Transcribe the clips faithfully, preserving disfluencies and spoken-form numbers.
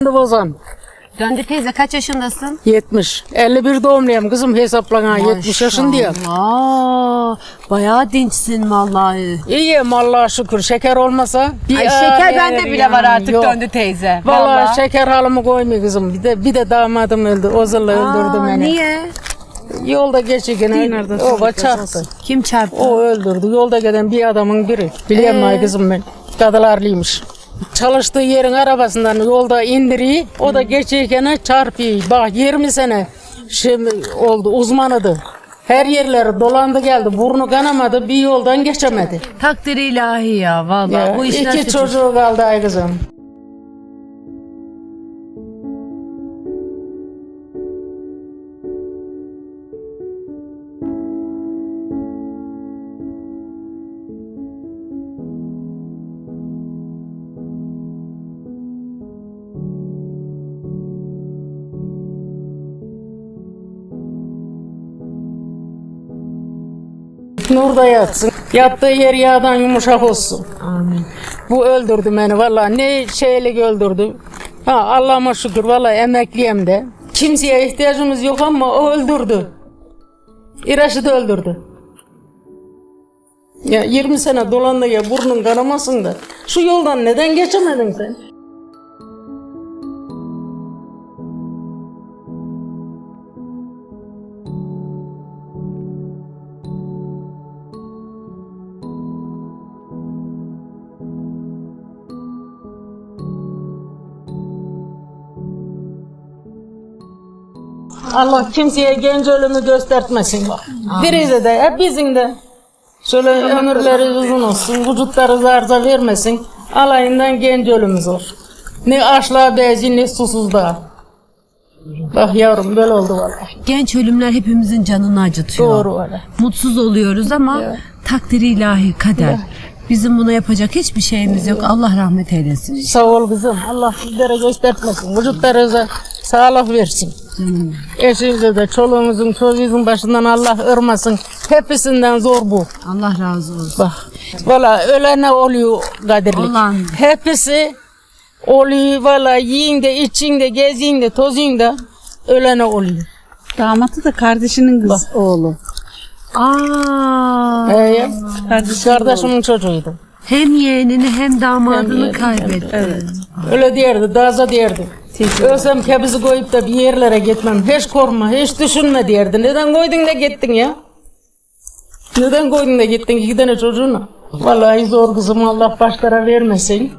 Bozan. Döndü teyze kaç yaşındasın? yetmiş. elli bir doğumluyum kızım hesaplana yetmiş yaşındayım. Aa, bayağı dinçsin vallahi. İyiyim Allah'a şükür. Şeker olmasa bir Ay şeker ağır bende yer bile yani. var artık Yok. döndü teyze. Vallahi, şeker halımı koymuyor kızım. Bir de bir de damadım öldü. Ozurla öldürdü Aa, beni. niye? Yolda geçirken o çarptı. Kim çarptı? O öldürdü. Yolda giden bir adamın biri. Biliyor musun Ee? kızım ben? Kadılarlıymış. Çalıştığı yerin arabasından yolda indiriyor. O da geçirken çarpıyor. Bak yirmi sene şimdi oldu uzmanıdı. Her yerleri dolandı geldi. Burnu kanamadı. Bir yoldan geçemedi. Takdir ilahi ya vallahi. Ya, Bu iş iki nasıl? çocuğu kaldı ay kızım. Nurda yatsın. Yattığı yer yağdan yumuşak olsun. Amin. Bu öldürdü beni vallahi ne şeylik öldürdü. Ha Allah'ıma şükür vallahi emekliyim de. Kimseye ihtiyacımız yok ama o öldürdü. İraş'ı da öldürdü. Ya yirmi sene dolandı ya burnun kanamasın da. Şu yoldan neden geçemedin sen? Allah kimseye genç ölümü göstermesin bak. Birize de hepimizin de şöyle ömürleri uzun olsun, vücutları zarza vermesin. Alayından genç ölümümüz olur. Ne açlığa bezi ne susuzluğa. Bak yavrum böyle oldu vallahi. Genç ölümler hepimizin canını acıtıyor. Doğru vallahi. Mutsuz oluyoruz ama Evet. takdiri ilahi kader. Bizim buna yapacak hiçbir şeyimiz yok. Allah rahmet eylesin. Sağ ol kızım. Allah sizlere göstermesin. Vücutlarınıza sağlık versin. Hmm. Eşinize de çoluğumuzun çocuğumuzun başından Allah ırmasın. Hepsinden zor bu. Allah razı olsun. Bak. Valla ölene oluyor kadirlik. Olan. Hepsi oluyor valla yiyin de için de geziyin de tozuyun da ölene oluyor. Damatı da kardeşinin kız oğlu. Aa, Ee, kardeşimin çocuğuydu. hem yeğenini hem damadını Hem yeğenini, kaybetti. Evet. Öyle derdi, daza derdi. Ölsem kebizi koyup da bir yerlere gitmem. Hiç korkma, hiç düşünme derdi. Neden koydun da gittin ya? Neden koydun da gittin iki tane çocuğuna? Vallahi zor kızım, Allah başlara vermesin.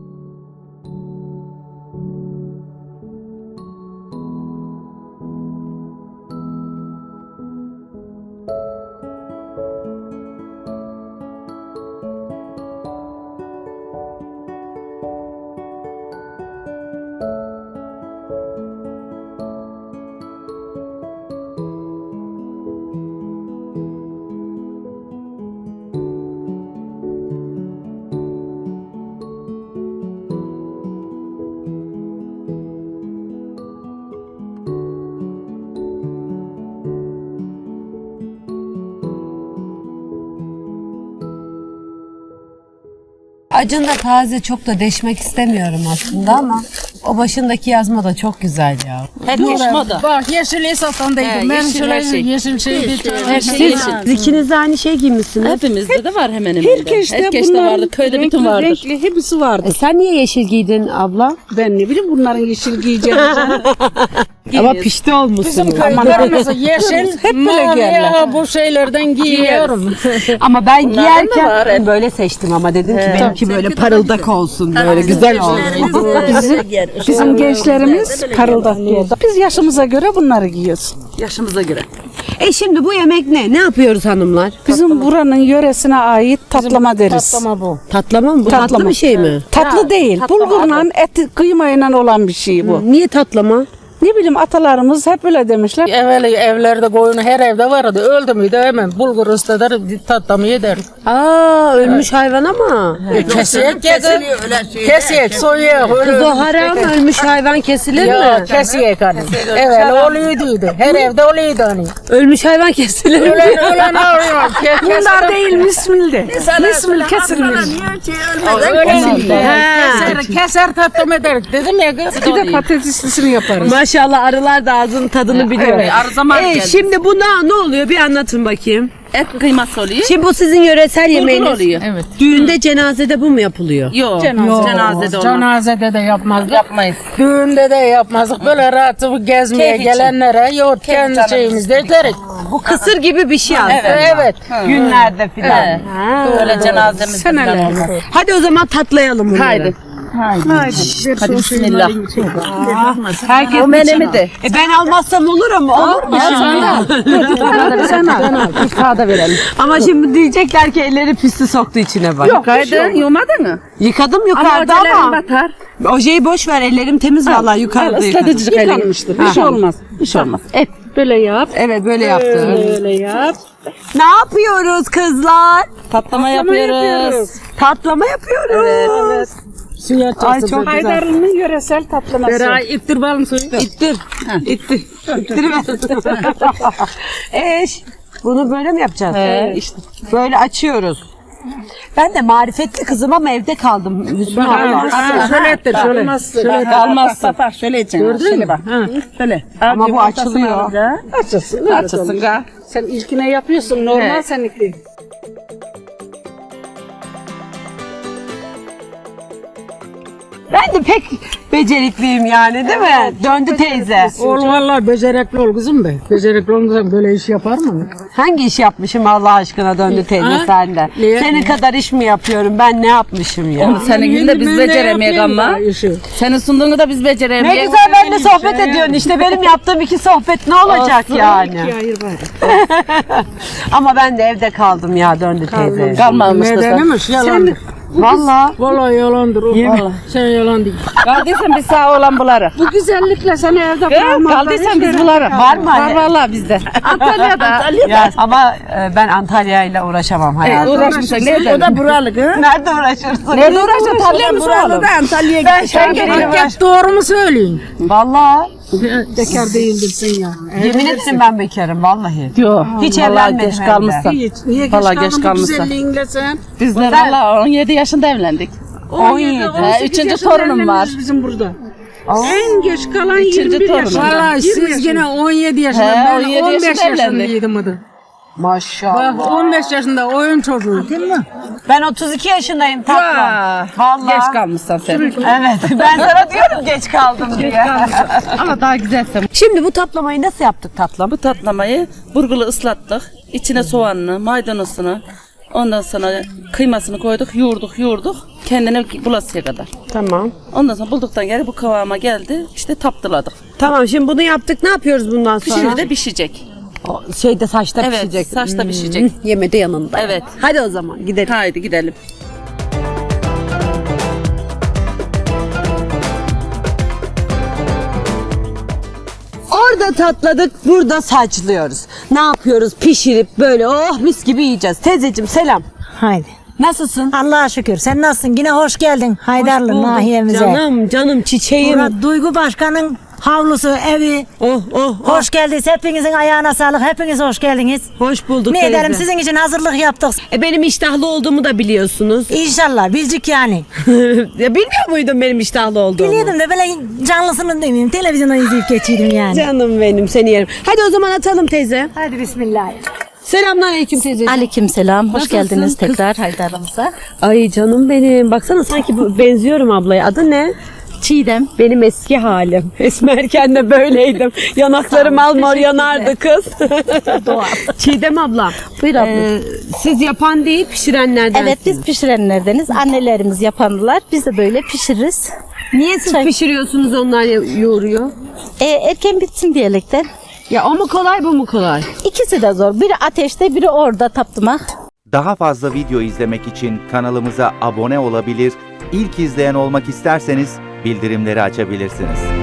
Acın da taze çok da deşmek istemiyorum aslında ama o başındaki yazma da çok güzel ya. Bak yeşil esasındaydım. Ben yeşil şöyle her şey. yeşil şey bir tane. Her şey Siz yeşil. ikiniz de aynı şey giymişsiniz. Hepimizde de var hemen hemen. Herkeste, Herkeste bunların vardı. Köyde renkli, bütün vardır. renkli hepsi vardır. E sen niye yeşil giydin abla? Ben ne bileyim bunların yeşil giyeceğini. Ama pişti olmuşsun. Kayıtlarımızı yeşil, Hep böyle mavi giyerler. ya, bu şeylerden giyiyorum. Ama ben Bunlardan da giyerken var. böyle seçtim ama dedim ki benimki böyle parıldak olsun, böyle güzel olsun. bizim bizim gençlerimiz parıldak giyer. Biz yaşımıza göre bunları giyiyoruz. Yaşımıza göre. E şimdi bu yemek ne? Ne yapıyoruz hanımlar? Bizim buranın yöresine ait tatlama deriz. Patlama bu. Tatlama mı? Bu tatlı Tatlama. bir şey mi? Tatlı değil. Bulgurla et kıymayla olan bir şey bu. Niye tatlama? Ne bileyim atalarımız hep öyle demişler. Evvel evlerde koyunu her evde vardı. Öldü müydü hemen bulgur ıslatır tatlamı yeder. Aa ölmüş hayvan ama. Kesiyek yedi. Kesiyek soyuyor. Kız o haram ölmüş hayvan kesilir Ya mi? kesiyek hani. Evvel oluyordu. Her evde oluyordu hani. Ölmüş hayvan kesilir mi? Ölen ölen ağrıyor. Bunlar değil mismildi. Mismil kesilmiş. Keser, keser tatlım ederek dedim ya kız. Bir de patateslisini yaparız. Maşallah arılar da ağzının tadını biliyor. Arı zaman Ee, geldi. şimdi buna ne oluyor bir anlatın bakayım. Et kıyması oluyor. Şimdi bu sizin yöresel Bulgur yemeğiniz. oluyor. Evet. Düğünde cenazede bu mu yapılıyor? Yok. Yok, Cenazede olmaz. Cenazede de yapmazdık. Yapmayız. Düğünde de yapmazdık. Böyle rahat gezmeye Keyif için. gelenlere yoğurt kendi canımız. şeyimizde ederek. Bu kısır gibi bir şey aslında. Evet. evet. Günlerde filan. Evet. Böyle cenazemizde falan Seneler. olmaz. Hadi o zaman tatlayalım bunları. Haydi. Haydi. Hadi bismillah. Herkes O menemi de. E ben almazsam olur ama olur mu? Sen al. Bir kağıda verelim. Ama şimdi diyecekler ki elleri pisli soktu içine bak. Yok. Kaydın yumadın mı? Yıkadım yukarıda ama. batar. Ojeyi boş ver ellerim temiz vallahi yukarıda yıkadım. Islatıcı kalem. Yıkanmıştır. Bir şey olmaz. Bir şey olmaz. Et böyle yap. Evet böyle yaptım. Böyle yap. Ne yapıyoruz kızlar? Patlama yapıyoruz. Tatlama yapıyoruz. Suya Ay çok çok güzel. Haydarlı'nın yöresel tatlaması. Beray ittir balım suyu. İttir. İttir. İttir. Eş. Bunu böyle mi yapacağız? He, işte. Böyle açıyoruz. Ben de marifetli kızım ama evde kaldım. Hüsnü abla. Şöyle ettir şöyle. Şöyle kalmazsa. Şöyle edeceksin. Gördün mü? Bak. Şöyle. Ama bu açılıyor. Açılsın. Açılsın ga. Sen ilkine yapıyorsun. Normal Evet. seninki. Ben de pek becerikliyim yani değil mi? Döndü teyze. Ol vallahi becerekli ol kızım be. Becerekli olmasan böyle iş yapar mı? Hangi iş yapmışım Allah aşkına döndü teyze Ha? sende? Niye? Senin kadar iş mi yapıyorum? Ben ne yapmışım ya? Onu senin gibi de biz Ben de beceremeyek yapayım ama. da işi. Senin sunduğunu da biz Ne beceremeyek. güzel benimle sohbet ediyorsun işte benim yaptığım iki sohbet ne olacak yani? Hayır var. Ama ben de evde kaldım ya döndü teyze. Kalmamıştı sen. Nedenmiş yalandır. Valla. Vallahi yalandır o. Vallahi. Sen yalan değil. Kaldıysan biz sağ olan buları. Bu güzellikle seni evde kalmazlar. Kaldıysan biz buları. Var mı Var hani? vallahi bizde. Antalya'da. Ya, ama e, ben Antalya ile uğraşamam hayatım. Uğraşmışsın. Nerede? O da buralı kız. Nerede uğraşırsın? Nerede uğraşacaksın? Tarlaya mı Buralı soralım? da Antalya'ya Ben gitmiş. şey geleyim. Hep doğru mu söyleyin? Valla. Bekar değildirsin ya. Yemin etsin ben bekarım vallahi. Yok. Hiç Vallahi evlenmedim geç hem de. kalmışsan. Hiç. Niye geç Vallahi kaldın geç bu kalmışsın. güzelliğinle sen? Bizler valla on yedi yaşında evlendik. on yedi. He, üçüncü torunum var. Bizim burada. En geç kalan Üçüncü yirmi bir torunum. yaşında. Vallahi siz yine on yedi yaşında. He, Ben on yedi on beş yaşında evlendik. yaşındaydım adı. Maşallah. Bak on beş yaşında oyun çocuğu. Ben otuz iki yaşındayım tatlım. Vallahi. Geç kalmışsın sen. Evet ben sana diyorum geç kaldım diye. Ama daha güzelsin. Şimdi bu tatlamayı nasıl yaptık tatlım? Bu tatlamayı burgulu ıslattık. İçine soğanını, maydanozunu, ondan sonra kıymasını koyduk, yoğurduk, yoğurduk. Kendine bulasıya kadar. Tamam. Ondan sonra bulduktan geri bu kıvama geldi. İşte taptıladık. Tamam şimdi bunu yaptık ne yapıyoruz bundan sonra? Şimdi de pişecek. O şeyde saçta Evet, pişecek. saçta pişecek. Yemede yanında. Evet. Hadi o zaman gidelim. Haydi gidelim. Orada tatladık, burada saçlıyoruz. Ne yapıyoruz? Pişirip böyle oh mis gibi yiyeceğiz. Teyzeciğim selam. Haydi. Nasılsın? Allah'a şükür. Sen nasılsın? Yine hoş geldin Haydarlı Bulduk. nahiyemize. Canım, canım çiçeğim. Burada Duygu Başkan'ın havlusu, evi. Oh, oh, oh. Hoş geldiniz. Hepinizin ayağına sağlık. Hepiniz hoş geldiniz. Hoş bulduk Ne teyze. ederim sizin için hazırlık yaptık. E, benim iştahlı olduğumu da biliyorsunuz. İnşallah bilcik yani. Ya bilmiyor muydun benim iştahlı olduğumu? Biliyordum da böyle canlısını demeyeyim. Televizyondan izleyip geçiyordum yani. Canım benim seni yerim. Hadi o zaman atalım teyze. Hadi bismillah. Selamünaleyküm teyze. Aleykümselam. Hoş Nasılsın geldiniz kız? tekrar Haydar'ımıza. Ay canım benim. Baksana sanki bu- benziyorum ablaya. Adı ne? Çiğdem. Benim eski halim. Esmerken de böyleydim. Yanaklarım almor yanardı kız. Çiğdem abla. Buyur abla. e, siz yapan değil pişirenlerden. Evet biz pişirenlerdeniz. Annelerimiz yapanlar. Biz de böyle pişiririz. Niye siz Çay- pişiriyorsunuz onlar yoğuruyor? E, erken bitsin diyerekten. Ya o mu kolay bu mu kolay? İkisi de zor. Biri ateşte biri orada taptımak. Daha fazla video izlemek için kanalımıza abone olabilir, ilk izleyen olmak isterseniz bildirimleri açabilirsiniz.